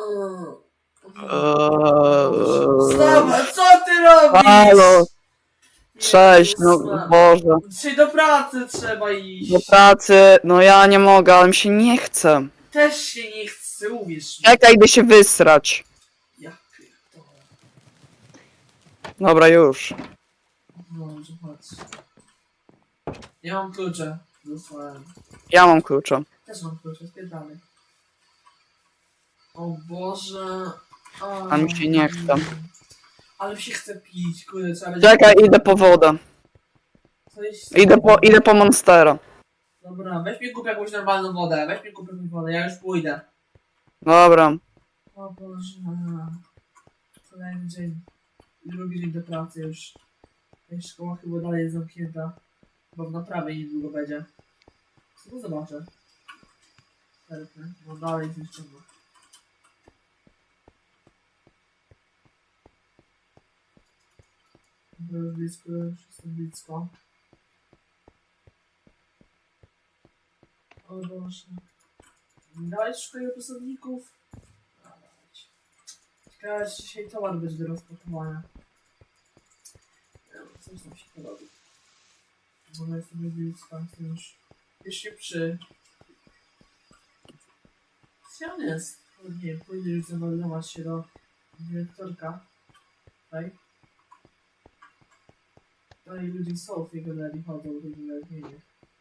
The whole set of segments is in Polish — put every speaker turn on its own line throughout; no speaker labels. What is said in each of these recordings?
Wstawaj, co ty robisz?
Halo, cześć, no
Jezus,
Boże.
dzisiaj do pracy trzeba
Do
iść.
pracy, no ja nie mogę, ale mi się nie chce.
Też się nie chce, uwierz mi.
Czekaj, idę się wysrać.
Ja pierdolę.
Dobra, już.
Dobrze, chodź. Ja mam klucze. Dostałem.
Ja mam klucze.
Też mam klucze, spierdamy. O Boże.
A mi się nie chce.
Ale mi się chce pić, kurde, trzeba będzie...
Czekaj, idę po wodę.
Coś...
Idę po Monstera.
Dobra, weź mi kup jakąś normalną wodę, weź mi kup jakąś wodę, ja już pójdę.
Dobra.
O Boże. Kolejny dzień. Drugi dzień do pracy już. Szkoła chyba dalej jest zamknięta. Bo w naprawie niedługo będzie. Co zobaczę. Serpny. No dalej jest jeszcze. Już blisko, już jestem blisko. O Boże. Dawaj szukaj pracowników. Dawać. Ciekawe, czy dzisiaj towar będzie do rozpakowania. Coś tam się porobi. Bo jestem już blisko, jestem już się przy... Gdzie on jest? O, nie wiem, pójdę już zameldować się do dyrektorka. Tutaj. Tutaj ludzie są w tej galerii, chodzą do tej galerii.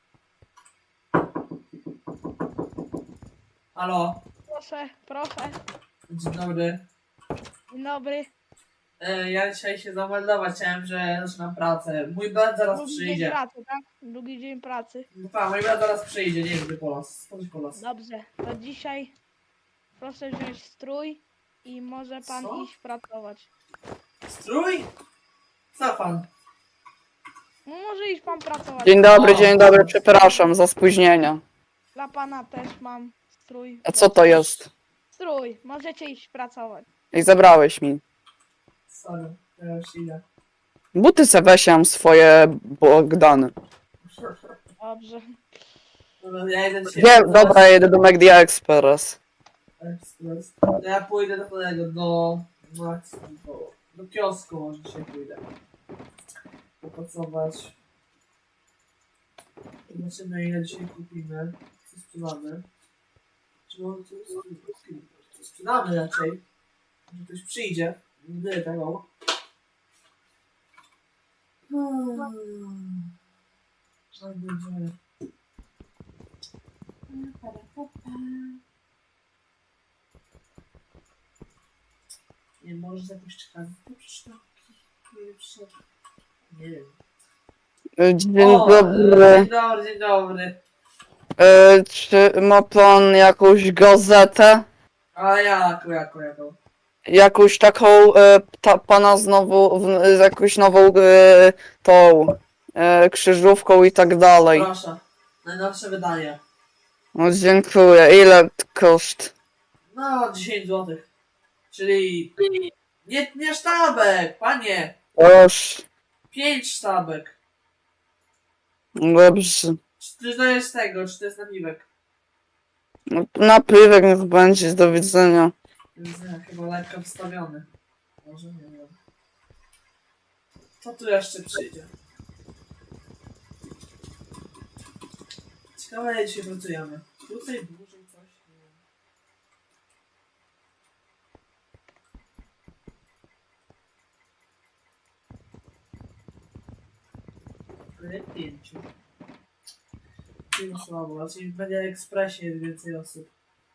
Halo?
Proszę, proszę.
Dzień dobry.
Dzień dobry.
Ja dzisiaj się zameldować chciałem, że zaczynam pracę. Mój brat zaraz
Drugi dzień
przyjdzie.
pracy, tak? Drugi dzień pracy.
No tak, mój brat zaraz przyjdzie, nie wiem gdy po nas. Skądś po nas.
Dobrze, to dzisiaj proszę wziąć strój i może pan
Co?
iść pracować.
Strój? Co pan?
No może iść pan pracować.
Dzień dobry, przepraszam za spóźnienie.
Dla pana też mam strój.
A co to jest?
Strój, możecie iść pracować.
I zabrałeś mi.
Sorry, ja już idę.
Buty se weź, ja mam swoje Bogdany.
Dobrze.
Dobra, ja idę dzisiaj...
Dobra, ja jedę do McD Express.
Express. Ja pójdę do tego, do kiosku może dzisiaj pójdę. Popracować. Zobaczymy ile dzisiaj kupimy. Co sprzedamy. Czy może co sprzedamy raczej. Może ktoś przyjdzie. Nie tyle tego. Co będzie? Nie, może jakoś czekać. Nie wiem.
Dzień
O,
dobry.
Dzień dobry, dzień dobry.
Czy ma pan jakąś gazetę?
A jaką?
Jakąś taką, pana znowu, z jakąś nową, tą, krzyżówką i tak dalej.
Proszę. Najnowsze wydanie.
No dziękuję. Ile koszt?
No, 10 zł. Czyli... Nie sztabek, panie.
Proszę.
5 sztabek.
Dobrze.
Czy to jest tego, czy to jest napiwek?
No, napiwek niech będzie, do widzenia.
Jest chyba lekko wstawiony. Może nie wiem. Co tu jeszcze przyjdzie? Ciekawe, jak dzisiaj pracujemy. Tutaj dłużej coś, nie wiem. Tyle 5. Czyli słabo, raczej w Media Expressie jest więcej osób.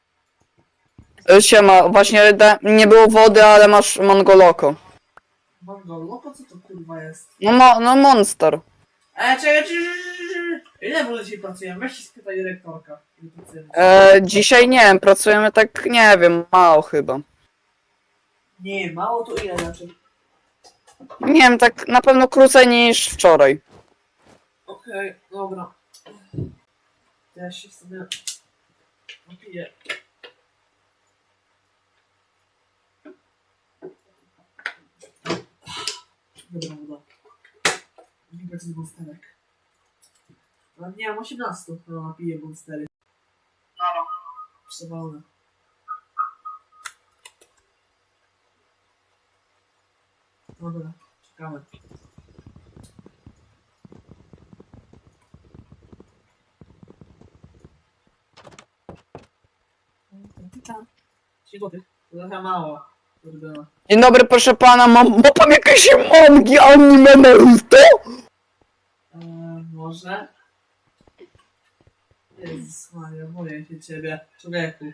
Siema, właśnie nie było wody, ale masz Mongoloko.
Mongol, po co to kurwa jest?
No Monster.
Czekaj, ile w ogóle dzisiaj pracujemy? Weź się spytaj dyrektorka. Ile pracujemy.
Dzisiaj nie wiem, pracujemy tak, nie wiem, mało chyba.
Nie, mało to ile raczej?
Nie wiem, tak na pewno krócej niż wczoraj.
Okej, dobra. To ja się sobie napiję. Dobra, woda. Nie będzie monsterek. Ale nie mam 18, no napiję monstery. Przewalone. Dobra, czekamy. Złotych. To trochę mało. Kurde.
Dzień dobry, proszę pana, ma pan jakieś mangi anime Naruto?
Może? Jezus Maria, boję się ciebie, człowieku.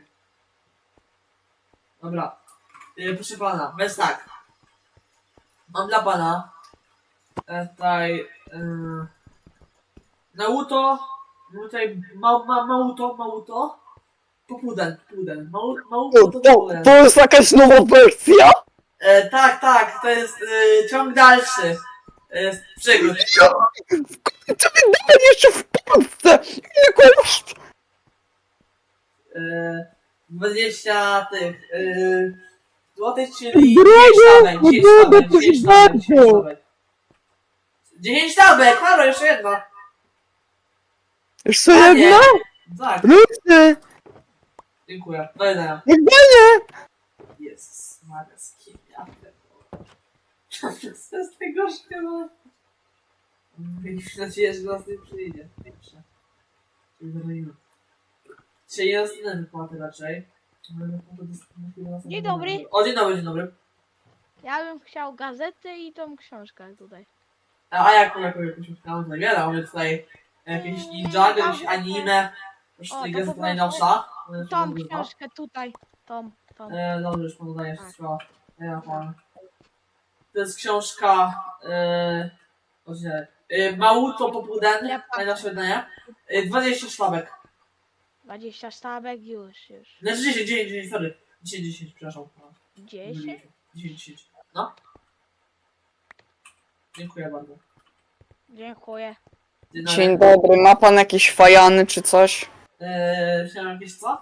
Dobra. Proszę pana, bez tak. Mam dla pana tutaj Naruto, tutaj Mauto, Popuden. Mauto to Popuden.
To jest jakaś nowa wersja?
Tak, to jest ciąg dalszy przygód.
Co wydałem jeszcze w Polsce? Ile koszt?
20 tych złotych, czyli
Drogo,
10 sztabek. 10 sztabek, halo, jeszcze jedna.
Jeszcze
Panie.
jedna?
Tak,
Ludzie!
dziękuję. Do widzenia.
Jak będzie?
Jezus Maria, z kim ja to jest najgorsze, no. Mam nadzieję, że do nas nie przyjdzie. Dobrze. Czyli zrobimy. Dzisiaj jest inne wypłaty raczej.
Dzień dobry.
O, dzień dobry.
Ja bym chciał gazetę i tą książkę tutaj.
A jaką jakąś tam zawiera? Mamy tutaj jakieś ninja, jakieś anime. Proszę
O,
tutaj
to
gazeta
po
najnowsza.
Tą książkę tutaj. Tą.
Dobrze, już panu daję
Tak.
wszystko. To jest książka Mauto Popuden,
Ja patrzę.
najnowsze wydanie. 20 sztabek.
20 sztabek już.
Znaczy 10, sorry. 10, przepraszam.
10?
10. No. Dziękuję bardzo.
Dziękuję.
Dzień dobry, ma pan jakieś fajany czy coś?
Chciałem jakieś co?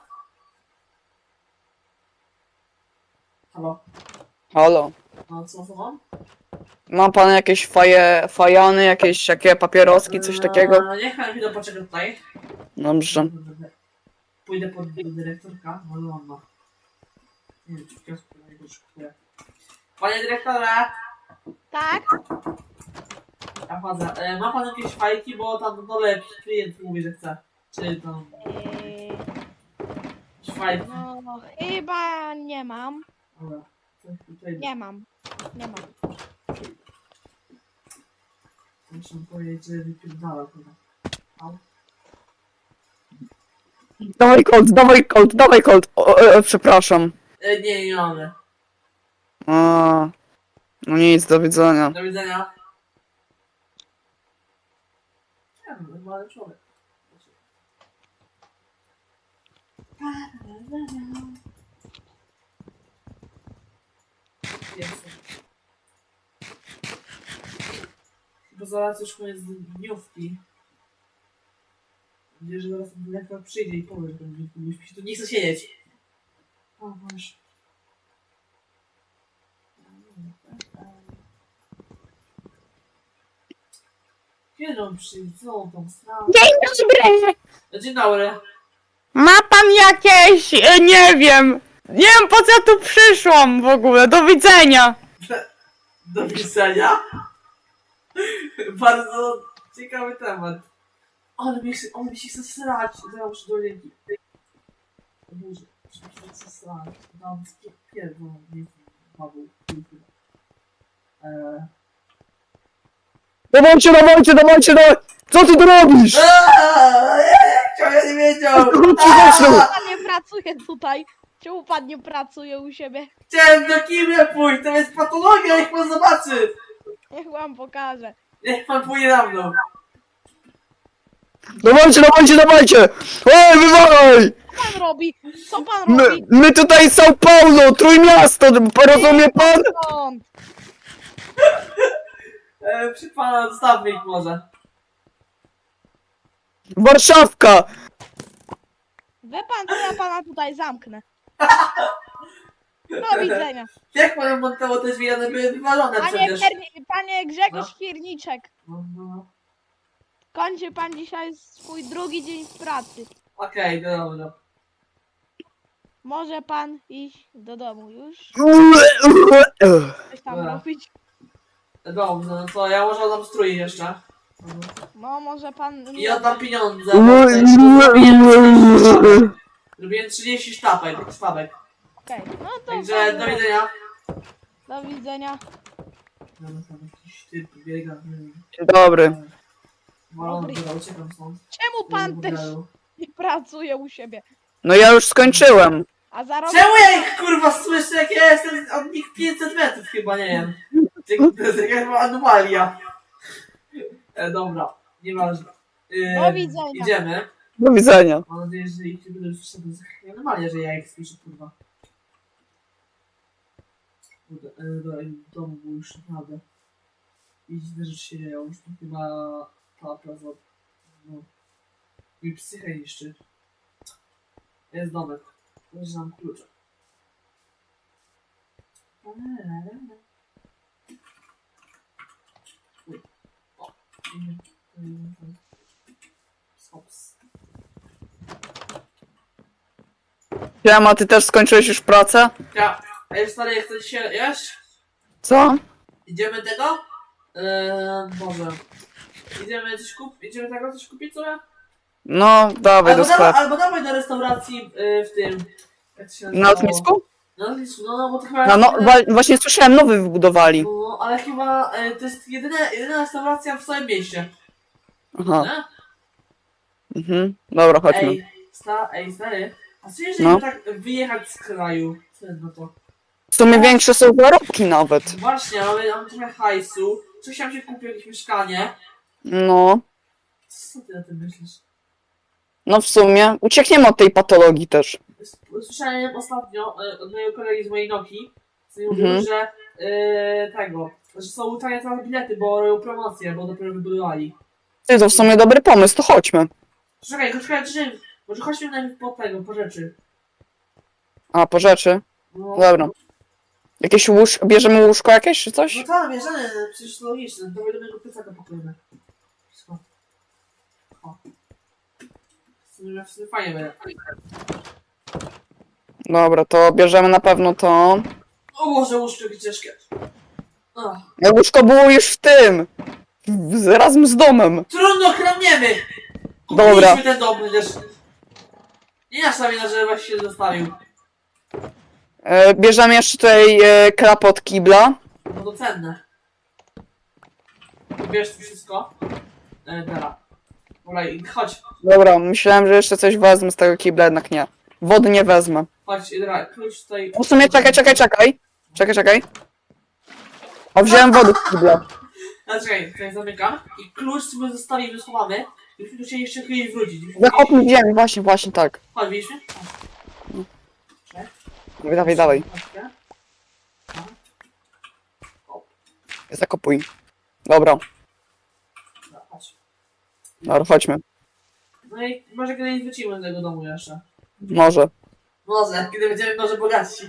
Halo?
Halo.
No co mam?
Ma pan jakieś fajany, jakieś takie papieroski, coś takiego?
Niech pan chwilę poczeka tutaj.
Dobrze.
Pójdę pod dyrektorka, może on ma. Nie wiem, czy w kiosku na niego szykuję. Panie dyrektorze!
Tak?
Ja chodzę. Ma pan jakieś fajki, bo tam na dole jakiś klient mówi, że chce. Czy tam jakieś fajki?
No chyba nie mam.
Dobra. To tutaj
Nie mam.
muszę powiedzieć, że wypierdala chyba. Au.
Dawaj Colt. Przepraszam.
Nie mamy.
A, no nic, do widzenia.
Do widzenia. Nie wiem, normalny człowiek. Jestem. Bo zaraz już koniec dniówki. Mam nadzieję, że zaraz ten dyrektor przyjdzie i powie, że ten dniówki mi się tu nie chce siedzieć. O, masz. Kiedy on przyjdzie? Co on tam stał?
Dzień dobry!
Dzień dobry.
Ma pan jakieś, nie wiem po co ja tu przyszłam w ogóle, do widzenia.
Do widzenia. Bardzo ciekawy temat. On mi się chce srać. Ja muszę do ręki. O Boże, muszę się srać. Dam pierdolę. Nie Paweł.
Dawajcie, co ty tu robisz?
Ja nie wiedział.
Czemu pan nie pracuje tutaj? Czemu pan nie pracuje u siebie?
Chciałem do kimia pójść. To jest patologia. Niech pan zobaczy.
Niech wam pokażę.
Niech pan pójdzie na mną.
Dawajcie! Ej, wywalaj!
Co pan robi? Co pan robi?
My tutaj São Paulo, Trójmiasto, rozumie pan?
Stąd.
Przy pana zostawmy ich może.
Warszawka!
Wie pan, co ja pana tutaj zamknę. Do widzenia.
Jak pan montował te drzwi? One były wywalone przecież.
Panie Grzegorz
No.
Kierniczek,
No.
kończy pan dzisiaj swój drugi dzień w pracy.
Okej, dobra.
Może pan iść do domu już? Coś tam
Dobra.
robić?
Dobrze, no to ja może oddam strój jeszcze.
No może pan...
I oddam pieniądze. Bo zrobiłem 30 sztabek.
Okej, no to...
Także do widzenia.
Do widzenia.
Dobra, tam jakiś typ biega.
Dzień dobry.
Walony, dobra, uciekam stąd.
Czemu pan też nie pracuje u siebie?
No ja już skończyłem.
A zarobił...
Czemu ja ich kurwa słyszę, jak ja jestem od nich 500 metrów chyba, nie wiem. To jest jakaś anomalia. Dobra, nieważne.
Do widzenia.
Idziemy.
Do widzenia.
Mam nadzieję, że ich nie będę już wszedł. Anomalia, że ja ich słyszę, kurwa. Kurde, w domu było już naprawdę. I dziwne rzeczy się dzieją, już tu chyba ta plaza, no, mi psychę niszczy. Jest domek, leży nam klucze. Uj, o, Hops.
Siema, ty też skończyłeś już pracę?
Ja, ej stary, jak chcesz się jeść?
Co?
Idziemy tego? Boże. Idziemy coś kupić sobie?
No, dawaj do sklepu.
Albo dawaj do restauracji w tym. Jak to się
Na
nazywało?
lotnisku?
Na lotnisku, no bo to chyba.
No, właśnie słyszałem, nowy wybudowali.
No, ale chyba to jest jedyna restauracja w całym mieście.
Aha,
Nie?
mhm. Dobra, chodźmy.
Ej, stary. A co jeżeli
No.
tak wyjechać z kraju? Co jest na to?
W sumie większe są zarobki nawet.
Właśnie, ale mam trochę hajsu. Coś tam się kupił, jakieś mieszkanie.
No,
Co ty na tym myślisz?
no w sumie uciekniemy od tej patologii też.
Słyszałem ostatnio od mojego kolegi z mojej Noki, co mi
Mhm.
mówił, że że są tanie teraz bilety, bo robią promocję, bo dopiero wybudowali.
Ty, to w sumie dobry pomysł, to chodźmy.
Czekaj, może chodźmy najpierw po rzeczy.
A, po rzeczy?
No,
Dobra. Jakieś bierzemy łóżko jakieś czy coś?
no tak, bierzemy, przecież to logiczne, dawaj do mojego plecaka pokojemy. Wszystko. O. W sumie fajnie będzie.
Dobra, to bierzemy na pewno to.
O Boże, łóżko jakie ciężkie. Ach.
Łóżko było już w tym. Razem z domem.
Trudno, kradniemy!
Dobra.
Kupiliśmy ten dom przecież. Nie nasza wina, że właśnie się zostawił.
Bierzemy jeszcze tutaj klap od kibla.
No to cenne. Bierz tu wszystko. Dobra. Dobra, chodź.
Dobra, myślałem, że jeszcze coś wezmę z tego kibla, jednak nie. Wody nie wezmę.
Chodź, dobra, klucz tutaj.
W sumie czekaj. O, wziąłem wodę z kibla.
No czekaj, tutaj zamykam. I klucz sobie zostawimy, schowamy. Musimy tu się jeszcze kiedyś wrócić.
Zakopnij ziemię, właśnie tak.
Chodź, widzisz mnie?
Dawaj.
Chodźcie.
Zakopuj. Dobra,
Chodź.
chodźmy.
No i może kiedyś wrócimy do tego domu jeszcze.
Może.
Może, kiedy będziemy może bogatsi.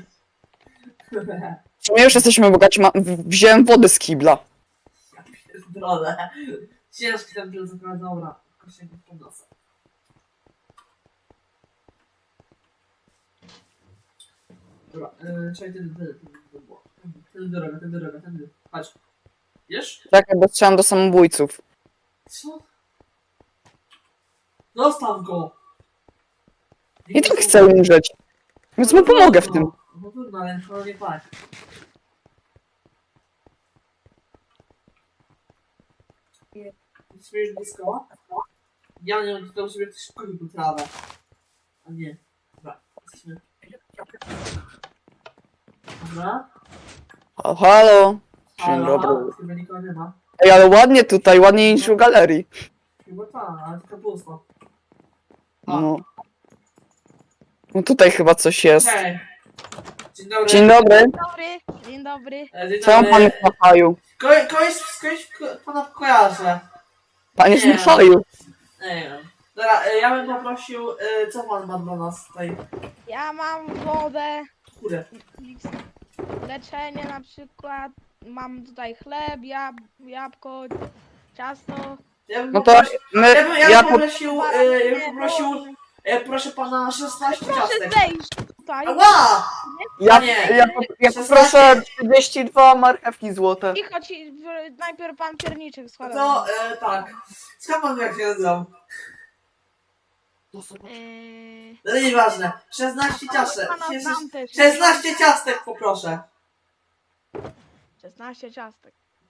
W sumie już jesteśmy bogaci, wziąłem wodę z kibla.
Ja pierdolę. Ciężki ten plecak, ale dobra. Jakoś się go podniosę. Dobra, czekaj, tędy. Tędy droga. Chodź. Wiesz?
Czekaj, bo strzelam do samobójców.
Co? Zostaw go!
I tak chcę umrzeć. Więc mu pomogę w tym.
No trudno, ale to nie tak. Śmiesz blisko? Ja nie wiem, to sobie ktoś kupił tu trawę. A nie. Dobra, jesteśmy. Dobra.
Halo. Dzień
Halo,
dobry.
chyba nikogo nie ma.
Ej, ale ładnie tutaj, ładniej niż w galerii.
Chyba ta, ale tylko pusto. A,
No. No tutaj chyba coś jest.
Cześć. Dzień dobry.
Dzień dobry.
Dzień dobry.
Dzień
Co
dobry.
pan w Machaju?
Kogoś pana kojarzę.
Pan jest w
Nie.
Machaju.
Nie wiem. Dobra, ja bym poprosił, co pan ma dla nas tutaj?
Ja mam wodę,
Kurde.
leczenie na przykład. Mam tutaj chleb, jabłko, ciasto.
Ja bym
No to
poprosił,
my,
ja bym poprosił, proszę pana 16
Proszę
ciastek.
zejść tutaj.
Ała!
Ja,
Nie.
ja poproszę 32 marchewki złote.
I chodź, najpierw pan pierniczek składa.
To, tak. Skąd pan wie, jak się nazywam? No nieważne. 16 ciastek.
Pana znam też.
16 ciastek poproszę.
16 ciastek.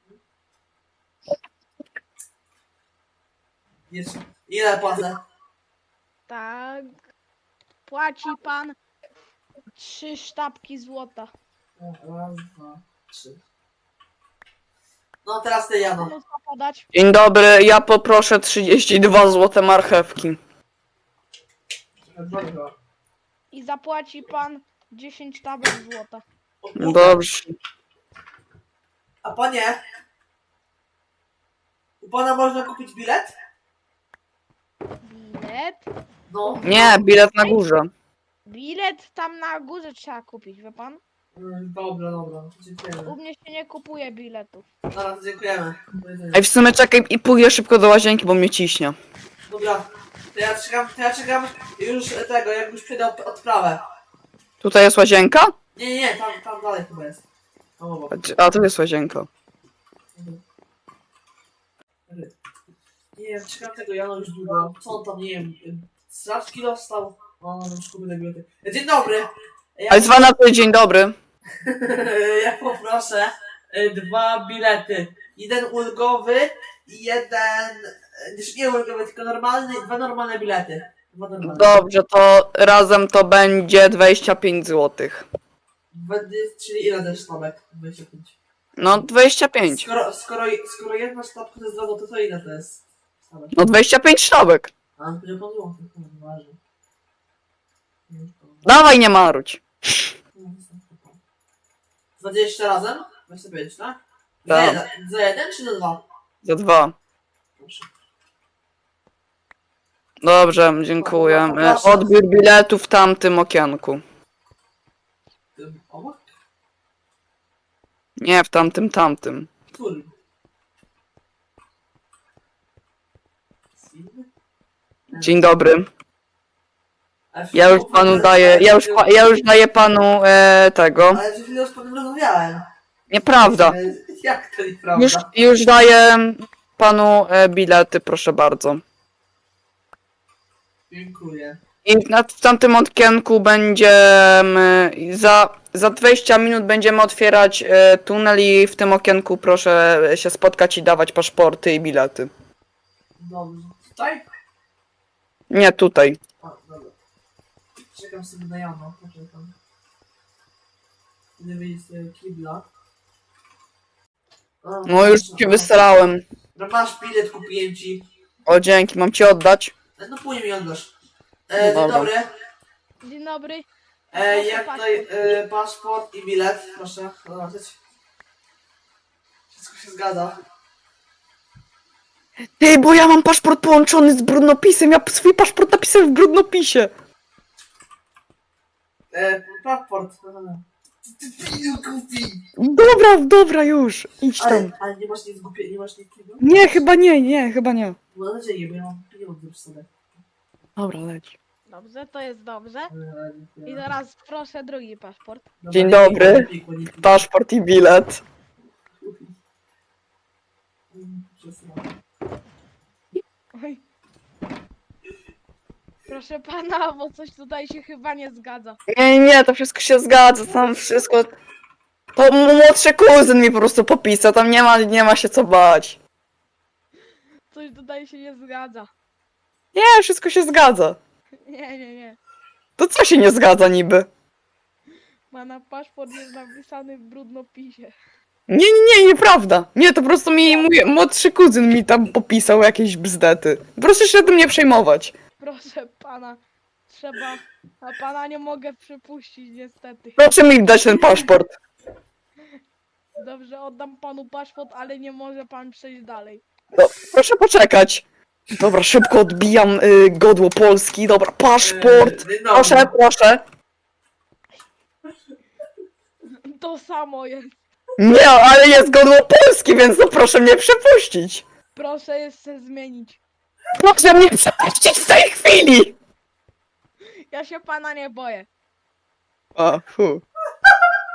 Ile płacę?
Tak. Płaci pan 3 sztabki złota.
Raz, dwa, trzy. No teraz ty, Jano.
Panu co podać?
Dzień dobry, ja poproszę 32 złote marchewki.
I zapłaci pan 10 sztabek złota.
Dobrze.
A panie? U pana można kupić bilet?
Bilet?
No.
Nie, bilet na górze.
Bilet tam na górze trzeba kupić, wie pan?
Dobra, dobra. Dziękujemy.
U mnie się nie kupuje biletów.
Zaraz, dziękujemy. Do widzenia.
Ej, w sumie czekaj i pójdę szybko do łazienki, bo mnie ciśnie.
Dobra. To ja czekam już tego, jak już przejdę odprawę.
Tutaj jest łazienka?
Nie, tam dalej chyba jest. Tam obok.
A, tu jest łazienka.
Nie wiem, czekam tego Jana już długo. Co on tam, nie wiem, straczki dostał? O, no już kupię te bilety. Dzień dobry!
Ale zwa na to dzień dobry.
Ja poproszę 2 bilety. Jeden ulgowy i jeden... Nie ulgowy, tylko normalny, 2 normalne bilety. 2 normalne.
Dobrze, to razem to będzie 25 złotych.
Czyli ile też sztabek? 25.
No 25.
Skoro jedna sztabka to jest 2 złote, to ile to jest sztabek?
No 25 sztabek.
A, to nie pan złotych, to nie ważne.
Dawaj, nie marudź.
20 razem? 25, tak?
Tak.
Za jeden czy za 2?
Za 2.
Proszę.
Dobrze, dziękuję. Odbiór biletu w tamtym okienku.
Tym obok?
Nie, w tamtym.
Którym? Inny?
Dzień dobry.
Ale
Ja już panu daję, ja już daję panu tego.
Ale przed chwilą z panem rozmawiałem.
Nieprawda.
Jak to nieprawda?
Już daję panu bilety, proszę bardzo.
Dziękuję.
I w tamtym okienku będziemy, za 20 minut będziemy otwierać tunel i w tym okienku proszę się spotkać i dawać paszporty i bilety.
Dobrze. Tutaj?
Nie, tutaj.
A, dobra. Czekam sobie na Jana, poczekam. Idę wyjść z kibla. A,
No już ci wysrałem.
No masz bilet, kupiłem ci.
O, dzięki, mam ci oddać.
No później mi oddasz. Dzień
Dobra.
dobry.
Dzień dobry.
Jak tutaj paszport i bilet, proszę zobaczyć. Wszystko się zgadza.
Ty, bo ja mam paszport połączony z brudnopisem, ja swój paszport napisałem w brudnopisie.
Paszport. Ty piju kupi.
Dobra, już, idź tam.
Ale nie masz nic głupie, nie masz nic takiego?
Nie, chyba nie.
No mam nadzieję, bo ja mam pieniądze przy sobie.
Dobra, leć.
Dobrze, to jest dobrze. I
I
teraz proszę drugi paszport.
Dzień dobry. Paszport i bilet.
Oj. Proszę pana, bo coś tutaj się chyba nie zgadza.
Nie, to wszystko się zgadza, tam wszystko... To młodszy kuzyn mi po prostu popisał, tam nie ma się co bać.
Coś tutaj się nie zgadza.
Nie, wszystko się zgadza.
Nie.
To co się nie zgadza niby?
Pana paszport jest napisany w brudnopisie.
Nieprawda. Nie, to po prostu mój młodszy kuzyn mi tam popisał jakieś bzdety. Proszę się tym nie przejmować.
Proszę pana, trzeba... A pana nie mogę przypuścić niestety.
Proszę mi dać ten paszport.
Dobrze, oddam panu paszport, ale nie może pan przejść dalej.
No, proszę poczekać. Dobra, szybko odbijam godło Polski. Dobra, paszport. Proszę.
To samo jest.
Nie, ale jest godło Polski, więc no proszę mnie przepuścić.
Proszę jeszcze zmienić.
Proszę mnie przepuścić w tej chwili.
Ja się pana nie boję.
A, fu.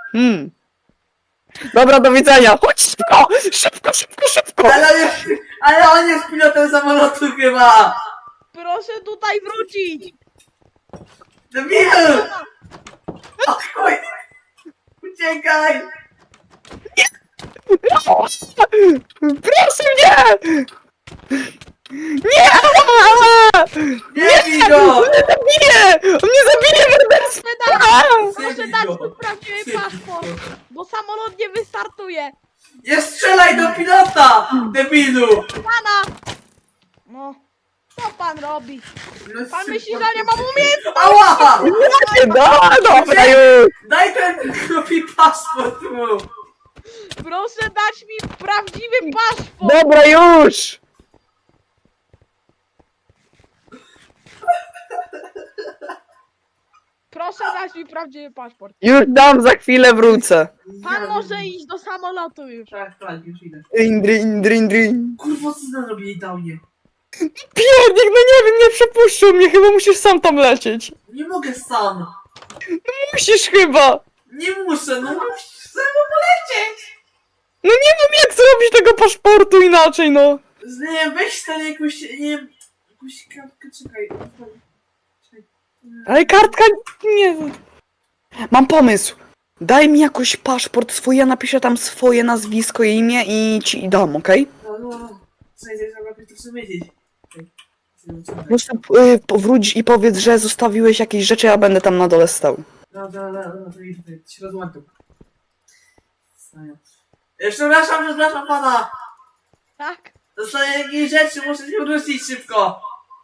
Dobra, do widzenia. Chodź szybko! Szybko, szybko, szybko!
Ale on jest pilotem samolotu chyba!
Proszę tutaj wrócić!
Debil! O chuj! Uciekaj!
Proszę mnie! Nie!
Nie bij go!
On mnie zabije! On mnie zabije, morderstwo!
Proszę dać mi prawdziwy paszport, bo samolot nie wystartuje.
Nie strzelaj do pilota! Debilu!
Pana! No, co pan robi?
No,
Pan myśli, że nie mam umiejętności?
Ała!
No, dobra już!
Daj ten głupi paszport mu!
Proszę dać mi prawdziwy paszport!
Dobra już!
Proszę dać mi prawdziwy paszport.
Już dam, za chwilę wrócę.
Pan może iść do samolotu już.
Tak, już idę.
Drin, drin, drin.
Kurwa, co zrobili downie?
Piernik, no nie wiem, nie przepuszczą mnie, chyba musisz sam tam lecieć.
Nie mogę sam!
Musisz chyba.
Nie muszę, no musisz ze mną polecieć!
No nie wiem, jak zrobić tego paszportu inaczej, no.
Nie wiem, weź ten jakąś, nie wiem, jakąś kartkę, czekaj. Czekaj.
Ale kartka nie... Mam pomysł. Daj mi jakoś paszport swój, ja napiszę tam swoje nazwisko i imię i ci dam, okej?
No. Czekaj, trzeba to chcę wiedzieć.
Po prostu powróć i powiedz, że zostawiłeś jakieś rzeczy, ja będę tam na dole stał.
No, to idź tutaj, się rozłączam. Przepraszam pana!
Tak?
Dostaję jakieś rzeczy, muszę się wrócić szybko!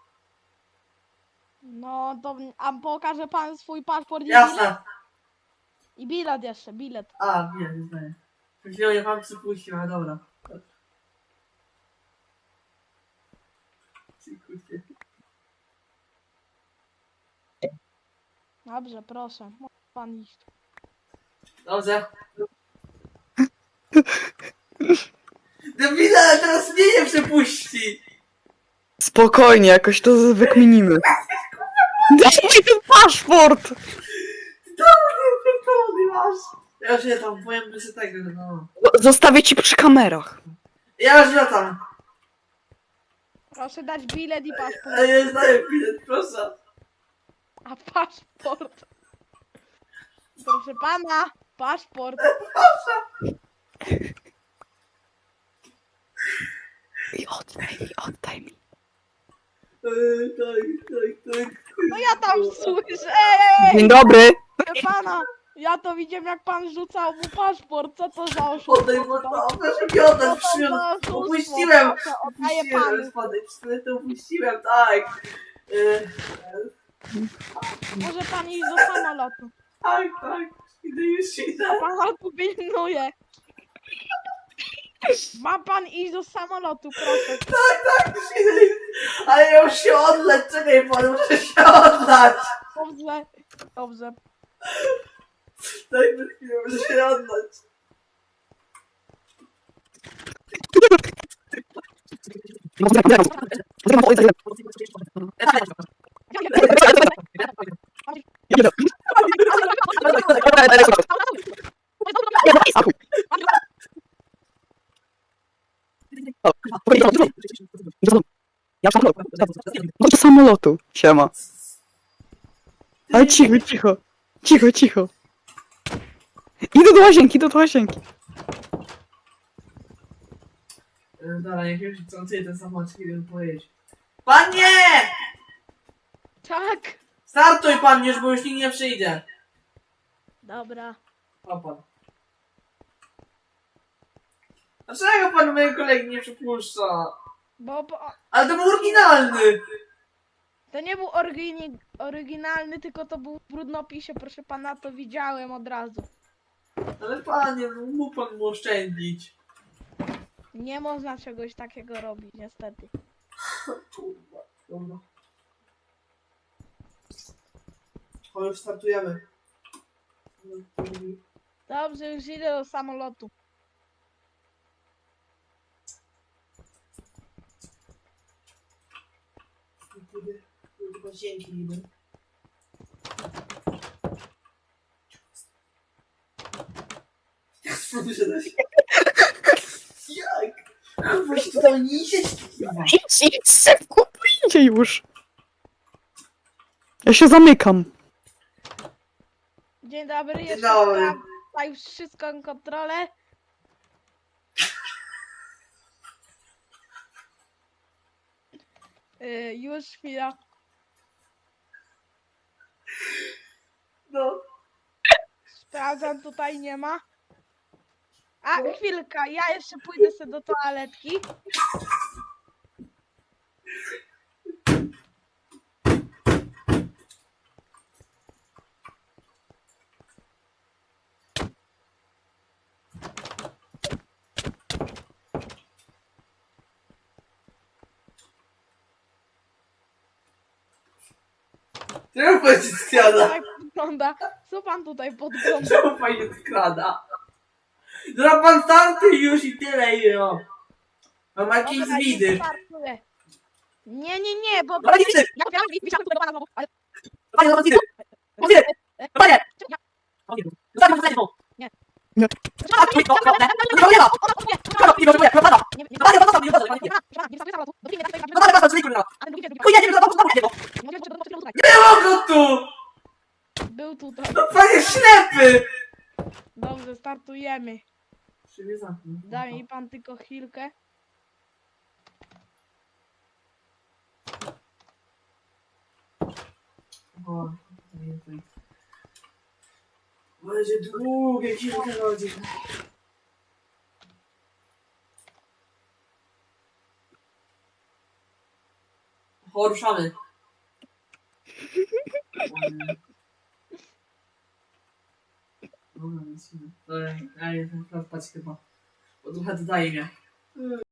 No to, a pokaże pan swój paszport i bilet?
Jasne!
I bilet jeszcze, bilet.
A, nie znaję. Przed chwilą je pan przypuścił, ale dobra. Dziękuję.
Dobrze, proszę, może pan iść.
Dobrze. Debile, ale teraz mnie nie przepuści!
Spokojnie, jakoś to wykminimy. Daj mi ten paszport!
Ty masz! Ja już nie tam, powiem że tego, no.
Zostawię ci przy kamerach.
Ja już latam.
Proszę dać bilet i paszport.
Ale nie znaję bilet, proszę.
A paszport? Proszę pana, paszport.
I oddaj mi.
Tak.
No ja tam słyszę.
Dzień dobry.
Proszę pana, ja to widziałem jak pan rzucał mu paszport. Co to za oszustwo?
Oddaj mu to, proszę mi oddać,
Co to za oszustwo?
Upuściłem!
Proszę, oddaję panu.
Spadaj, pistolet upuściłem, tak.
Może pan iść do samolotu.
Tak. Idę już idę.
Pan tu pilnuje. Ma pan iść do samolotu, proszę.
Tak, już idę. Ale ja już się odleć, czekaj pan, muszę się oddać.
Dobrze.
Daj mi chwilę, muszę się oddać.
Do samolotu. Siema. Ale cicho. Idę do łazienki.
Dobra, jak już chcący ten samochód, chwilę pojeść. Panie!
Tak.
Startuj pan już, bo już nikt nie przyjdzie.
Dobra.
O pan. Dlaczego pan mojego kolegi nie przypuszcza?
Bo
Ale to był oryginalny!
to nie był oryginalny, tylko to był w brudnopisie, proszę pana, to widziałem od razu.
Ale panie, no mógł pan mu oszczędzić.
Nie można czegoś takiego robić, niestety.
Kurwa, dobra. O, już startujemy.
Dobrze, już idę do samolotu.
Do łazienki idę. Stąd wyszedłeś. Jak? Kurwa, się tutaj nie idziesz, kurwa.
Idź szybko, pójdzie już. Ja się zamykam.
Dzień dobry, jeszcze
dobry.
sprawdza już wszystko na kontrolę. Już chwila.
No.
Sprawdzam, tutaj nie ma. A, chwilka, ja jeszcze pójdę sobie do toaletki.
Czemu pan się skrada?
Tak wygląda. Co pan tutaj podgląda?
Czemu pan się skrada? Dobra, pan starty już i tyle, i no. Mam jakieś
Dobra,
widy.
już startuję. Nie, bo...
Ale nie widzę!
Ja otwieram i wisiałem tutaj do pana znowu, ale...
Panie, no widzę! No widzę! Panie!
Ja-
Zostań pan znowu!
Nie.
Nie.
No nie ma! Nie potrzebuję, propada!
Nie, nie,
Panie, propada, nie potrzebuję!
nie wskakuję samolotu. Do filmu,
No panie, proszę, kurwa!
a ten drugi,
Pójdziemy do domu, niego! Nie mogę tu!
Był tutaj.
No panie ślepy!
Dobrze, startujemy.
Przywiezam.
Daj mi pan tylko chwilkę.
O, będzie długie kilka godzin. O, ruszamy. Dobra, lecimy. Ja nie wiem, spać chyba. Bo trochę dodaje mnie.